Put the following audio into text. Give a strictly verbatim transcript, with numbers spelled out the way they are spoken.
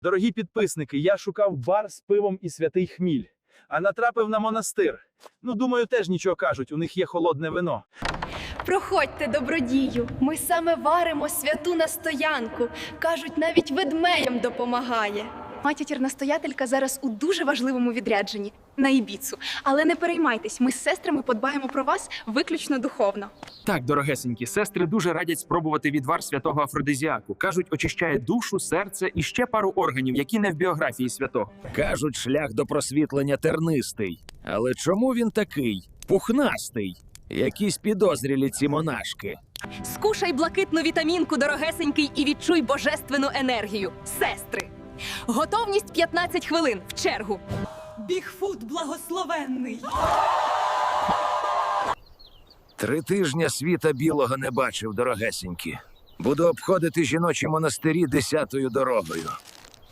Дорогі підписники, я шукав бар з пивом і святий хміль, а натрапив на монастир. Ну, думаю, теж нічого кажуть, у них є холодне вино. Проходьте, добродію, ми саме варимо святу настоянку. Кажуть, навіть ведмеям допомагає. Матір-настоятелька зараз у дуже важливому відрядженні на Ібіцу. Але не переймайтесь, ми з сестрами подбаємо про вас виключно духовно. Так, дорогесенькі, сестри дуже радять спробувати відвар святого Афродизіаку. Кажуть, очищає душу, серце і ще пару органів, які не в біографії святого. Кажуть, шлях до просвітлення тернистий. Але чому він такий? Пухнастий. Якісь підозрілі ці монашки. Скушай блакитну вітамінку, дорогесенький, і відчуй божественну енергію. Сестри! Готовність п'ятнадцять хвилин. В чергу. Бігфут благословенний. Три тижня світа білого не бачив, дорогесенькі. Буду обходити жіночі монастирі десятою дорогою.